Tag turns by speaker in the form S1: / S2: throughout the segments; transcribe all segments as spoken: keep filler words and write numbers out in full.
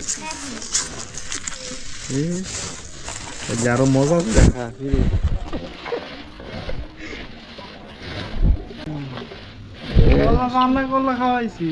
S1: আরো মজা দেখা
S2: রান্না করলে খাওয়াইছি।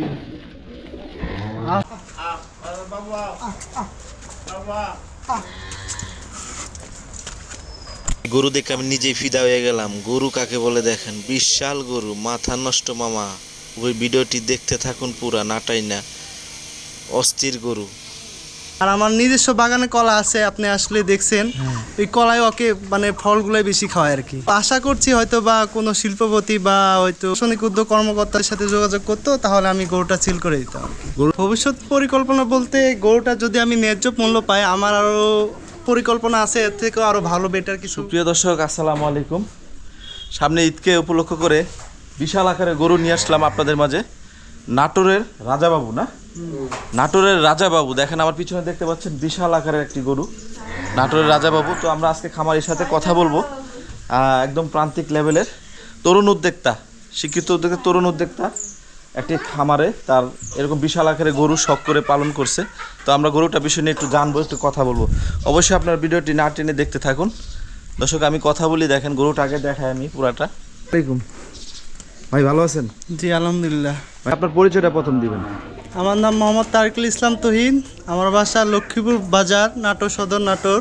S3: গরু দেখে আমি নিজেই ফিদা হয়ে গেলাম। গরু কাকে বলে দেখেন, বিশাল গরু, মাথা নষ্ট মামা। ওই ভিডিওটি দেখতে থাকুন পুরা, নাটাই না, অস্থির গরু।
S2: আর আমার নিজস্ব বাগানে কলা আছে, আপনি আসলে দেখছেন। ওই কলায় ওকে মানে ফলগুলাই বেশি খাওয়ায় আর কি। আশা করছি হয়তো বা কোনো শিল্পপতি বা হয়তো প্রশাসনিক উদ্যোগ কর্মকর্তার সাথে যোগাযোগ করতো, তাহলে আমি গরুটা সিল করে দিতাম আর কি। ভবিষ্যৎ পরিকল্পনা বলতে গরুটা যদি আমি ন্যায্য মূল্য পাই, আমার আরও পরিকল্পনা আছে এর থেকেও আরও ভালো বেটার কিছু।
S1: প্রিয় দর্শক, আসসালামু আলাইকুম। সামনে ঈদকে উপলক্ষ করে বিশাল আকারে গরু নিয়ে আসলাম আপনাদের মাঝে। নাটোরের রাজাবাবু না, নাটোরের রাজাবাবু দেখেন আমার পিছনে দেখতে পাচ্ছেন, বিশাল আকারের একটি গরু, নাটোরের রাজাবাবু। তো আমরা আজকে খামারির সাথে কথা বলবো, একদম প্রান্তিক লেভেলের তরুণ উদ্যোক্তা, শিক্ষিত উদ্যোক্তা, তরুণ উদ্যোক্তা একটি খামারে তার এরকম বিশাল আকারে গরু শখ করে পালন করছে। তো আমরা গরুটা বিষয় নিয়ে একটু জানবো, একটু কথা বলবো। অবশ্যই আপনার ভিডিওটি না টেনে দেখতে থাকুন। দর্শক, আমি কথা বলি, দেখেন গরুটা আগে দেখাই আমি পুরাটা। আসসালামাইকুম ভাই, ভালো আছেন?
S2: জি আলহামদুলিল্লাহ।
S1: ভাই, আপনার পরিচয়টা প্রথম দিবেন।
S2: আমার নাম মোহাম্মদ তারিকুল ইসলাম তুহিন, আমার বাসা লক্ষ্মীপুর বাজার, নাটোর সদর, নাটোর।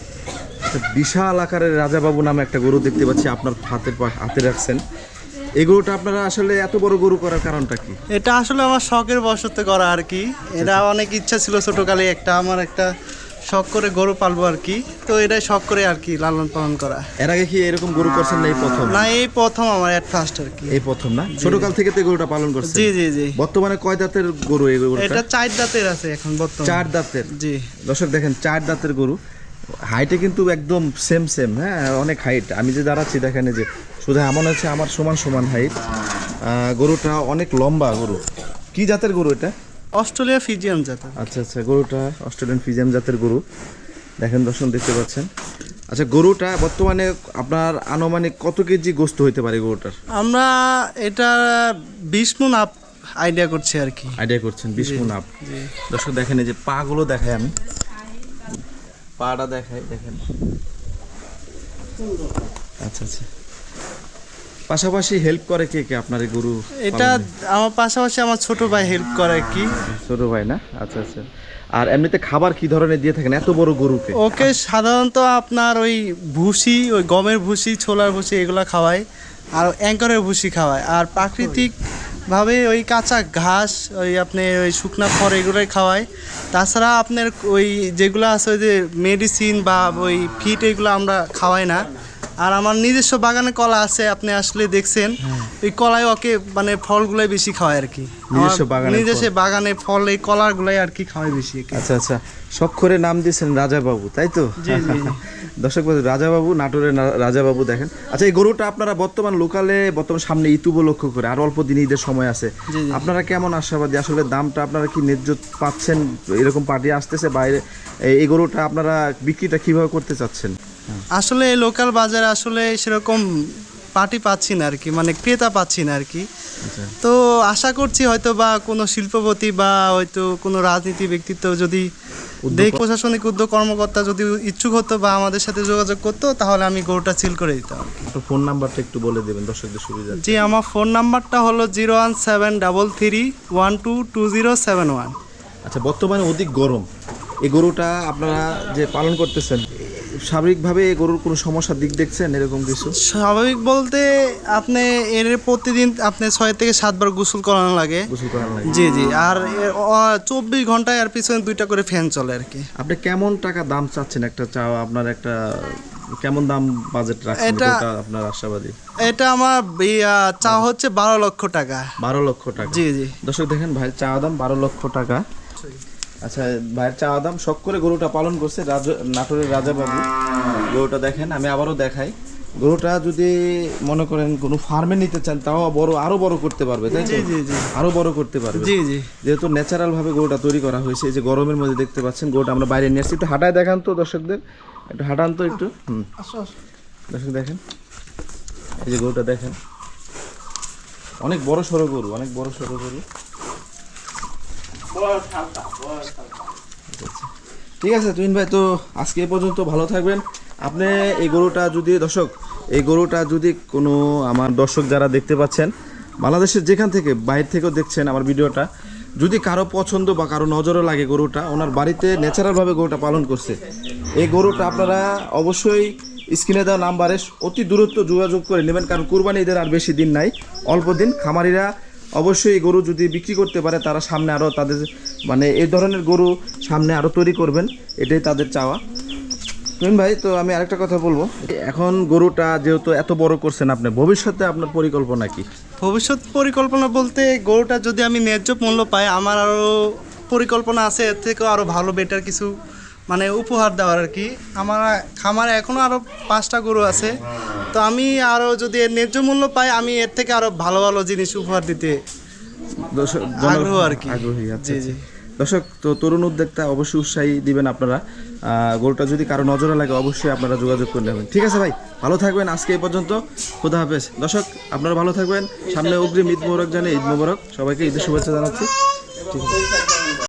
S1: বিশাল আকারের রাজাবাবু নামে একটা গরু দেখতে পাচ্ছি আপনার হাতের হাতে রাখছেন। এই গরুটা আপনারা আসলে এত বড় গরু করার কারণটা কি?
S2: এটা আসলে আমার শখের বশতে করা আর কি। এটা অনেক ইচ্ছা ছিল ছোটকালে, একটা আমার একটা শখ করে গরু পালবো আর কি। তো এটাই শখ করে আর কি লালন পালন করা।
S1: এর আগে কি এরকম গরু করছেন না এই প্রথম?
S2: না, এই প্রথম আমার এট ফার্স্ট আর কি।
S1: এই প্রথম না? ছোটকাল থেকে তো গরুটা পালন করছেন?
S2: জি জি জি।
S1: বর্তমানে কয় দাঁতের গরু এই গরুটা?
S2: এটা চার দাঁতের আছে এখন বর্তমানে।
S1: চার দাঁতের?
S2: জি।
S1: দর্শক দেখেন, চার দাঁতের গরু, হাইটে কিন্তু একদম সেম সেম, হ্যাঁ অনেক হাইট। আমি যে দাঁড়াচ্ছি দেখেন, যে শুধু এমন আছে আমার সমান সমান হাইট। গরুটা অনেক লম্বা গরু। কি জাতের গরু এটা?
S2: অস্ট্রেলিয়া ফিজিয়ান জাতের।
S1: আচ্ছা আচ্ছা, গরুটা অস্ট্রেলিয়ান ফিজিয়ান জাতের গরু। দেখেন দর্শক, দেখতে পাচ্ছেন। আচ্ছা, গরুটা বর্তমানে আপনার আনুমানিক কত কেজি গোস্ত হইতে পারে গরুটার?
S2: আমরা এটা বিশ মণ আপ আইডিয়া করছি আর কি।
S1: আইডিয়া করছেন বিশ মণ আপ। দর্শক দেখেন, এই যে পা গুলো দেখাই আমি, পাটা দেখাই, দেখেন। আচ্ছা আচ্ছা, পাশাপাশি হেল্প করে কে কে আপনার এই গরু?
S2: এটা আমার পাশাপাশি আমার ছোট ভাই হেল্প করে আর কি।
S1: ছোট ভাই না? আচ্ছা আচ্ছা। আর এমনিতে খাবার কি ধরনের দিয়ে থাকেন এত বড় গরুকে?
S2: ওকে সাধারণত আপনার ওই ভুসি, ওই গমের ভুসি, ছোলার ভুসি এগুলো খাওয়ায়, আর অ্যাঙ্করের ভুসি খাওয়ায়। আর প্রাকৃতিকভাবে ওই কাঁচা ঘাস, ওই আপনি ওই শুকনা খড় এগুলোই খাওয়ায়। তাছাড়া আপনার ওই যেগুলো আছে ওই যে মেডিসিন বা ওই ফিট এগুলো আমরা খাওয়াই না। আর আমার নিজস্ব বাগানে কলা আছে, আপনি আসলে দেখছেন। ওই কলায় ওকে মানে ফলগুলাই বেশি খাওয়ায় আর কি।
S1: নিজস্ব বাগানে
S2: নিজস্ব বাগানে ফল, এই কলাগুলাই আর কি খাওয়াই বেশি।
S1: আচ্ছা আচ্ছা, শখ করে নাম দিয়েছেন রাজাবাবু, তাই তো?
S2: জি জি।
S1: দর্শক বন্ধু, রাজাবাবু, নাটোরের রাজাবাবু দেখেন। আচ্ছা, এই গরুটা আপনারা বর্তমান লোকালে, বর্তমান সামনে ঈদ উপলক্ষ করে আর অল্প দিন ঈদের সময় আছে, আপনারা কেমন আশাবাদী? আসলে দামটা আপনারা কি ন্যায্য পাচ্ছেন? এরকম পার্টি আসতেছে বাইরে, এই গরুটা আপনারা বিক্রিটা কিভাবে করতে চাচ্ছেন?
S2: আসলে লোকাল বাজারে আসলে সেরকম পার্টি পাচ্ছি না আর কি, মানে ক্রেতা পাচ্ছি না আর কি। তো আশা করছি হয়তো বা কোনো শিল্পপতি বা হয়তো কোনো রাজনীতি ব্যক্তিত্ব যদি দেখ, প্রশাসনিক উদ্যোগ কর্মকর্তা যদি ইচ্ছুক হতো বা আমাদের সাথে যোগাযোগ করতো, তাহলে আমি গরুটা সিল করে দিতাম।
S1: আপনার ফোন নাম্বারটা একটু বলে দেবেন দর্শকদের সুবিধা।
S2: জি, আমার ফোন নাম্বারটা হলো zero one seven double three one two two zero seven one.
S1: আচ্ছা, বর্তমানে অধিক গরম, এই গরুটা আপনারা যে পালন করতেছেন, স্বাভাবিকভাবে এই গরুর কোনো সমস্যার দিক দেখছেন এরকম কিছু?
S2: স্বাভাবিক বলতে আপনি এর প্রতিদিন আপনি ছয় থেকে সাতবার গোসল করানো লাগে।
S1: গোসল করানো লাগে?
S2: জি জি। আর চব্বিশ ঘন্টায় আর পিছনে দুইটা করে ফ্যান চলে আর কি।
S1: আপনি কেমন টাকা দাম চাচ্ছেন একটা চাওয়া? আপনার একটা কেমন দাম বাজেট রাখছেন
S2: এটা
S1: আপনার আশাবাদী?
S2: এটা আমার চা হচ্ছে বারো লক্ষ টাকা।
S1: বারো লক্ষ টাকা?
S2: জি জি।
S1: দর্শক দেখেন, ভাইয়ের চাওয়া দাম বারো লক্ষ টাকা। আচ্ছা, ভাইয়ের চাওয়া দাম, শখ করে গরুটা পালন করছে নাটোরের রাজাবাবু। গরুটা দেখেন, আমি আবারও দেখাই। গরুটা যদি মনে করেন কোনো ফার্মে নিতে চান, তাও বড়, আরো বড় করতে পারবে, তাই তো?
S2: জি জি।
S1: আরো বড় করতে পারবে।
S2: জি জি।
S1: যেহেতু ন্যাচারাল ভাবে গরুটা তৈরি করা হয়েছে, এই যে গরমের মধ্যে দেখতে পাচ্ছেন গরুটা আমরা বাইরে নিয়ে আসছি। একটু হাঁটায় দেখান তো দর্শকদের, একটু হাঁটান তো একটু। হুম, দর্শক দেখেন, এই যে গরুটা দেখেন, অনেক বড় সড়ো গরু, অনেক বড় সড়ো গরু। ঠিক আছে তুহিন ভাই, তো আজকে এ পর্যন্ত, ভালো থাকবেন। আপনি এই গরুটা যদি দর্শক এই গরুটা যদি কোনো আমার দর্শক যারা দেখতে পাচ্ছেন বাংলাদেশের যেখান থেকে বাইরে থেকেও দেখছেন আমার ভিডিওটা, যদি কারো পছন্দ বা কারো নজরও লাগে গরুটা, ওনার বাড়িতে ন্যাচারালভাবে গরুটা পালন করছে, এই গরুটা আপনারা অবশ্যই স্ক্রিনে দেওয়া নাম্বারে অতি দূরত্ব যোগাযোগ করে নেবেন, কারণ কুরবানি ঈদের আর বেশি দিন নাই, অল্প দিন। খামারিরা অবশ্যই এই গরু যদি বিক্রি করতে পারে তারা সামনে আরও তাদের মানে এই ধরনের গরু সামনে আরও তৈরি করবেন, এটাই তাদের চাওয়া। তুহিন ভাই, তো আমি আরেকটা কথা বলবো, এখন গরুটা যেহেতু এত বড় করছেন আপনি, ভবিষ্যতে আপনার পরিকল্পনা কি?
S2: ভবিষ্যৎ পরিকল্পনা বলতে গরুটা যদি আমি ন্যায্য মূল্য পাই, আমার আরও পরিকল্পনা আছে এর থেকেও আরও ভালো বেটার কিছু মানে উপহার দেওয়ার আর কি। আমার খামারে এখনও আরও পাঁচটা গরু আছে, তো আমি আরও যদি এর ন্যায্য মূল্য পাই, আমি এর থেকে আরও ভালো ভালো জিনিস উপহার দিতে
S1: দর্শক
S2: আগ্রহ আর কি।
S1: আগ্রহী আছে।
S2: জি জি
S1: দর্শক, তো তরুণ উদ্যোক্তা অবশ্যই উৎসাহী দিবেন আপনারা। আহ, গরুটা যদি কারো নজরে লাগে অবশ্যই আপনারা যোগাযোগ করে নেবেন। ঠিক আছে ভাই, ভালো থাকবেন। আজকে এই পর্যন্ত, খোদা হাফেজ। দর্শক আপনারা ভালো থাকবেন, সামনে অগ্রিম ঈদ মোবারক জানিয়ে ঈদ মোবারক সবাইকে, ঈদের শুভেচ্ছা জানাচ্ছি। ঠিক আছে।